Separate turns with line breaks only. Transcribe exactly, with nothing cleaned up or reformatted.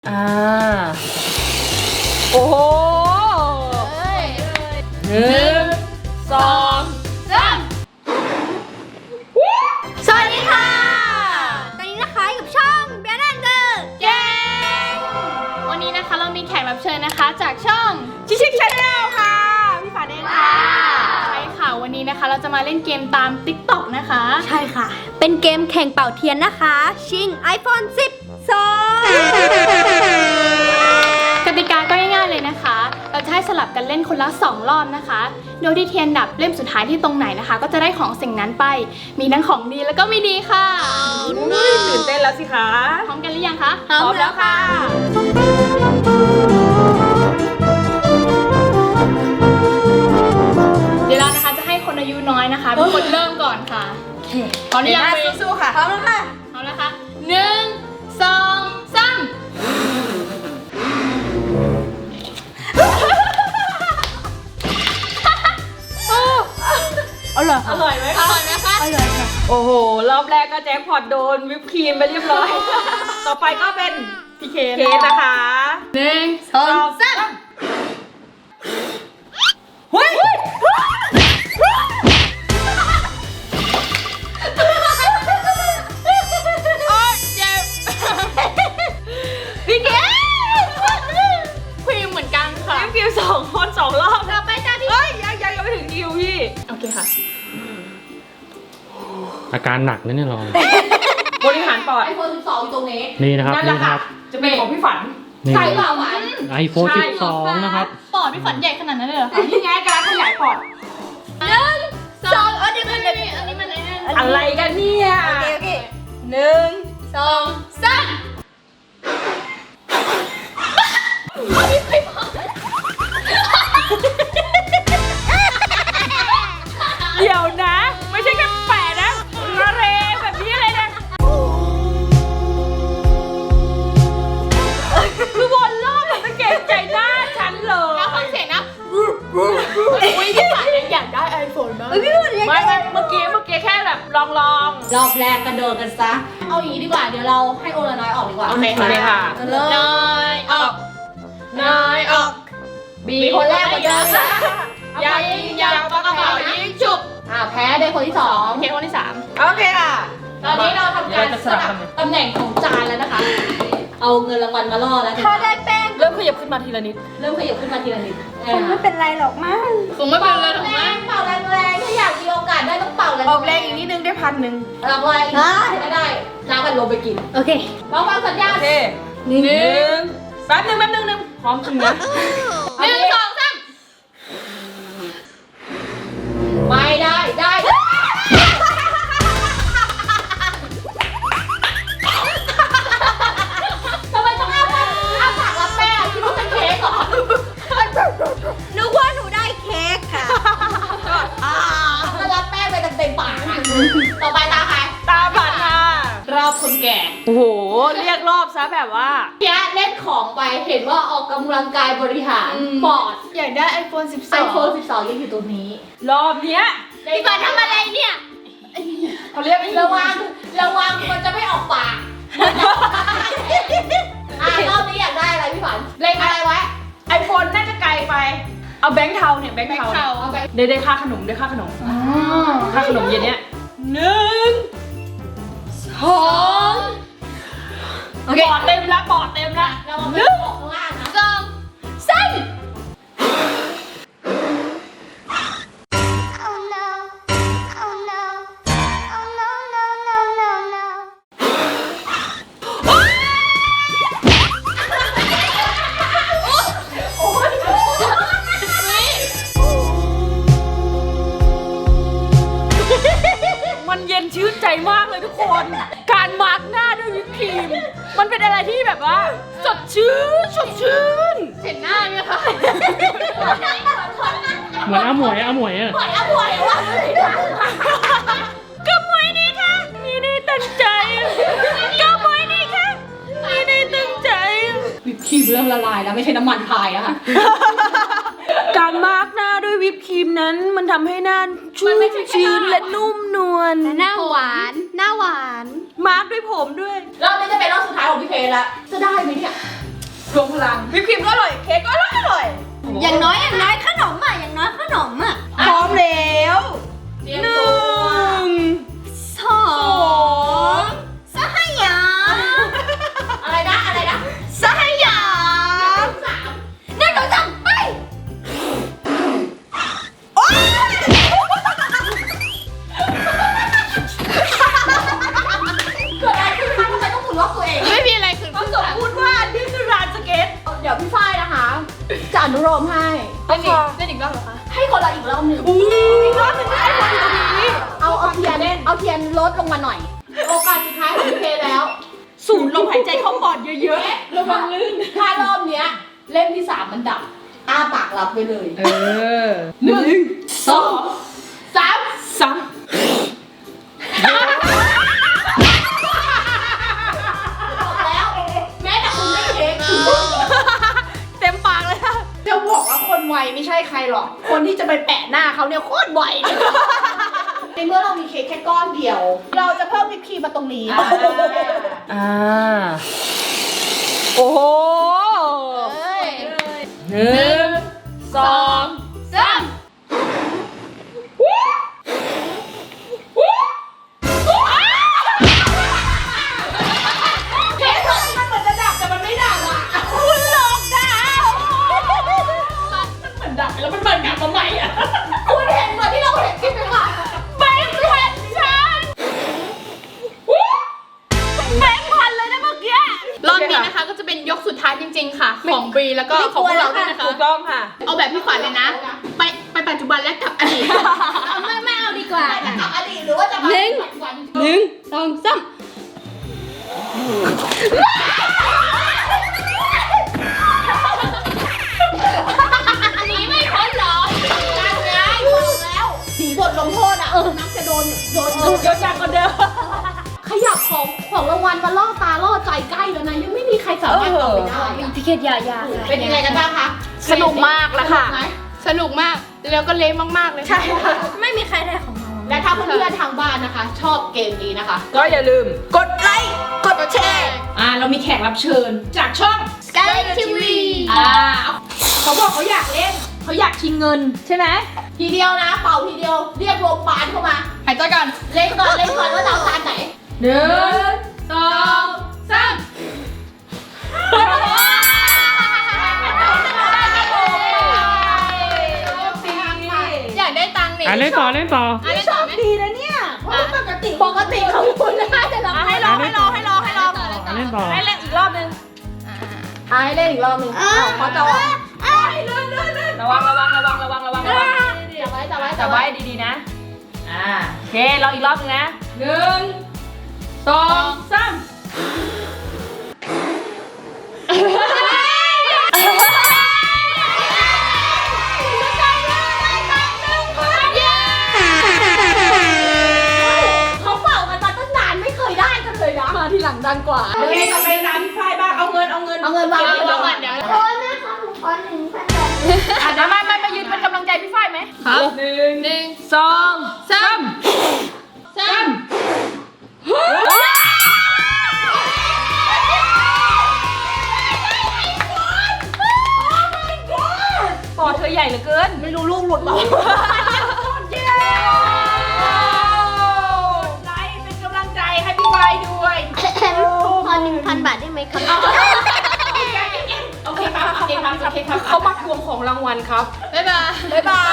อ่าโอ้โหหนึ่งสองสาม
สวัสดีค่ะตอนนี้นะคะอยู่กับช่องเบียร์แอนเดอร์แกงวันนี้นะคะเรามีแขกรับเชิญนะคะจากช่องชิชิชาแนลค่ะพี่ฝาแดงค่ะใช่ค่ะวันนี้นะคะเราจะมาเล่นเกมตาม ติ๊กต็อก นะคะใช่ค่ะเป็นเกมแข่งเป่าเทียนนะคะชิง ไอโฟน สิบสอง กติกาก็ง่ายๆเลยนะคะเราจะให้สลับกันเล่นคนละสองรอบนะคะโดยที่เทียนดับเล่มสุดท้ายที่ตรงไหนนะคะก็จะได้ของสิ่งนั้นไปมีทั้งของดีแล้วก็ไม่ดีค่ะ
ตื่นเต้นแล้วสิคะ
พร้อมกันหรือยังคะ
พร้อมแล้วค่ะ
เดี๋ยวเรานะคะจะให้คนอายุน้อยนะคะเป็นคนเริ่มก่อนค่ะพร้อมหรือยัง
สู้ๆค่ะพร้อมแล้วค่ะ
พร้อมแล้วค่ะหนึ่งสองสามอร่อย
อร่อยไหม
อร่อยไหมคะ
อร่อยค่ะโอ้โหรอบแรกก็แจ็คพอตโดนวิปครีมไปเรียบร้อยต่อไปก็เป็นพี่เคสนะคะ
หนึ่งสองสาม
เฮ้ยพี่เคส
ครีมเหมือนกันค่ะ
วิปครีมสองคนสองรอบ
ต่อไปจ้าพี่
เฮ้ยยังยังยังไม่ถึงคิวพี่
โอเคค่ะ
อาการหนักนะเนี่ยเรา
บริหารปอด
ไอโฟนสิบสองอยู่ตรงนี้
นี่นะครับนี่นะครับ
จะเป็นของพี่ฝัน
ใช่เปล่าหวาน
ไอโฟนสิบสองนะครับ
ปอดพี่ฝันใหญ่ขนาดนั้นเลยเหรอ
นี่ไงการขยายปอด
หนึ่งสองอันนี้มันอันนี้มัน
อะไรกันเนี่ย
โอเคโอเคหนึ่งสองสาม
เดี๋ยวนะไม่ใช่แค่แปะนะระเรแบบนี้เลยนะคือบนรอบแบบมันเก่งใจหน้าฉันเลย
แล้วฟังเสียงนะอุ้ยพี่ฝันยังอยากได้ไอโฟนบ้างพี่ฝันยัง
ไม่ไม่เมื่อกี้เมื่อกี้แค่แบบลองลอง
รอบแรกกระโดดกันซะเอาอย่างนี้ดีกว่าเดี๋ยวเราให้โอละน้อยออกดีกว่า
โอเคค่ะ
น้อยออก
น้อยออก
บีคนแรกมาเดินนะ
ยังยังปากกระเป๋ายิงฉุบ
อ่าแพ้ได้คนที่สอง
เคคนที่สามโอเคค่ะ
ตอนนี้เราทำการสลับตำแหน่งของจานแล้วนะคะเอาเงินรางวัลมาล่อแล้วถ้าได้แป้ง
เริ่มขยับขึ้นมาทีละนิด
เริ่มขยับขึ้นมาทีละนิด
คงไม่เป็นไรหรอกมั้ง
คงไม่เป็นไรหรอกมั้งเป่าแรงๆถ้าอยากมีโอกาสได้ต้องเป่าแรง
ออกแรงอีกนิดนึงได้พันหนึ่ง
รางวัลก็ได้น้ำกันลงไปกิน
โอเค
ลองฟังสัญญาณ
โอเคหนึ่งแป๊บนึงแป๊บนึงนึงพร้อมจริงนะ
หนึ่งสองสามไม่ได้ได้ทำไมต้องอ้าปากอ้าปากรับแป้งคิดว่าเป็นเค้กเหรอ
นึกว่าหนูได้เค้กค่ะ
ก็รับแป้งไปเต็มปากอ่ะต่อไปตาใคร
ตาผัดค่ะ
รอบคนแก่
โอ้โหเรียกรอบซะแบบว่า
แกเล่นของไปเห็นว่าออกกำลังกายบริหารปอด
อยากได้ ไอโฟน สิบสอง
ไอโฟน สิบสองยังอยู่ตรงนี้
รอบเนี้ย
พี่ฝันทำอะไรเนี่ย
เขาเรียก
ระวังระวังมันจะไม่ออกปากอ่ารอบนี้อยากได้อะไรพี่ฝันเล็งอะไรไว้
ไอโฟนน่าจะไกลไปเอาแบงค์เทาเนี่ยแบงค์เทาได้ได้ค่าขนมได้ค่าขนมค่าขนมเย็นเนี้ยหนึ่งสองโอเคปอดเต็มละปอดเต็มละ
เราไม่ต้องออกข้างล่างนะ
สองสาม
มันเย็นชื่นใจมากเลยทุกคนการมาร์กหน้าด้วยวิปครีมมันเป็นอะไรที่แบบว่าสดชื่นสดชื่น
เห็นหน้าไหมคะ
เหมือนอาหมวยอาหมวยอะ
เหมือนอาหมวยวะ
ก็มวยนี่ค่ะนี่นี่ตั้งใจก็มวยนี่ค่ะนี่นี่ตั้งใจ
วิปครีมเริ่มละลายแล้วไม่ใช่น้ำมันพายอะค่ะ
การมาร์กหน้าด้วยวิปครีมนั้นมันทำให้หน้าชุ่มชื้นและนุ่มนวล
หน้าหวานหน้าหวาน
มาร์กด้วยผมด้วย
รอบนี้จะเป็นรอบสุดท้ายของพี่เพลละจะได้ไหมเนี่ย
รวมพลังวิปครีมก็อร่อยเค้กก็อร่อยอร่อย
อย่างน้อยอย่างน้อยขนมอ่ะอย่างน้อยขนมอ่ะ
พร้อมแล้ว
เตรียม
ห
ตัว
นึ่ง
สองสหยาม
อะไรนะอะไรนะ
สหยาม
สาม
หนึ่งสองสามไป
เกิดอะไรขึ้นคะทำไมต้องหมุนล็อกตัวเองไม่มีอะไรคือ
เขาสมพูดว่านี่คือร้านสเก็ต
เดี๋ยวพี่ฝ้ายนะคะจะอนุโลมให้เล่นอีกเล่นอีกรอบเหรอคะให้คนละอีกรอบหนึ่ง
อู้อีกรอบหนึงไม่ได้คนอยู่ตรงนี้
เอาเอาเทียนเอาเทียนลดลงมาหน่อย โอกาสสุดท้ายของพี่เพแล้ว
สูดลมหายใจเข้าปอดเยอะๆระวังลื่น
ถ้ารอบเนี้ยเล่มที่สามมันดับ อ้าปากรับไปเลย
เออหนึ่ง
สองสาม
สาม
บอกแล้ว แม้แต่คุณไม่เค้กคุณก็
เต็มปากเลยค่ะ
จะบอกว่าคนไวไม่ใช่ใครหรอก คนที่จะไปแปะหน้าเขาเนี่ยโคตรไวเลยในเมื่อเรามีเค้กแค่ก้อนเดียว เราจะเพิ่มวิปครีมมาตรงนี้
อ่าโอ้โห
เอ้ย
หนึ่งสอง
สาม
เค้กมันเหมือนจะดับแต่มันไม่ดับอ่ะคุณหลอกดาวมันเหมือนดับแล้วมันเหมือนกลับมาใหม่อ่ะ
คุณเห็นเหมือนที่เราเห็นคลิปไหมคะ
แบงค์พันฉันแบงค์พันเลยนะเมื่อกี้
รอบนี้นะคะก็จะเป็นยกสุดท้ายจริงๆค่ะ ของบรีแล้วก็ของพวกเราด้วยนะคะ
ถูกต้องค่ะ
เอาแบบพี่ขวัญเลยนะ ไปไปปัจจุบันและกลับอดีต
เอาไม่ไม่เอาดีกว่า
จะกลับอดีตหรือว่าจะมา
หนึ่ง
ปัจจุบัน
หนึ่งสองสาม
อันนี้ไม่พ้นหรอการไงบอกแล้วสีบทลงโทษอ่ะนักจะโดนโดน
ดูเยอะจังกว่าเดิม
ขยับของของรางวัลมาล่อตาล่อใจใกล้แล้วนะยังไม่มีใครสามารถตอบไปได้อะ
พิเคตยายา
เป็นยังไงกันบ้างคะ
สนุกมากแล้วค่ะ
สนุกไหมสนุกมากแล้วก็เละมากๆเลย
ใช่ค่ะ
ไม่มีใครได้ของเรา
และถ้าเพื่อนๆทางบ้านนะคะ ชอบเกมนี้นะคะ
ก็อย่าลืม กดไลค์
กดแชร์
อ่า เรามีแขกรับเชิญจากช่อง
Sky ทีวี
อ่า เขาบอกเขาอยากเล่น เขาอยากชิงเงินใช่ไหม
ทีเดียวนะ เป่าทีเดียวเรียกโรงพยาบาลเข้ามา
หายใจก่อน
เล่นก่อนเล่นก่อนว่าจะเอาตาไหน
หนึ่งสองสาม
อยากได้ตังค์นี่
อ่ะเล่นต่อเล่นต่อ
อ่ะเล่นต่อไหม
ดีนะเนี่ยเพราะว่าปกติ
ปกติของคุณได้แต่เรา
อ่ะให้ลองให้ลองให้ลองให้ลอง
อ่ะเล่นต่อ
ให้เล่นอีกรอบนึง
อ่ะให้เล่นอีกรอบหนึงอ้าวเขาจะวาง
ระวังระวังระวังระวังระวังระวัง
จับไว้จับไว้
จับไว้ดีๆนะ อ่า โอเคลองอีกรอบนึงนะหนึ่งสองสาม
เขาเป่ากันมาตั้งนานไม่เคยได้กันเลยนะมาทีหลังดังกว่า
โอเคต่อไปร้านพี่ฝ้ายบ้างเอาเงินเอาเงิน
เอาเงินวางวางก่อนเดี๋ยว
โอ้ยแม่คะหนูขอหนึ่งพันบาท
อ่ะเดี๋ยวมามามายืนเป็นกำลังใจพี่ฝ้ายไหม
ครับ
หนึ่ง
หนึ่ง
สองสาม
สาม
ปอดเธอใหญ่เหลือเกิน
ไม่รู้ลูกหลุดหรอ
เย้ไลค์เป็นกำลังใจให้พี่ฝ้ายด้วย
ขอหนึ่งพันบาทได้ไหมครับ
โอเคครับโอเคครับโอเคครับเขามาทวงของรางวัลครับ
บ๊ายบาย
บ๊ายบาย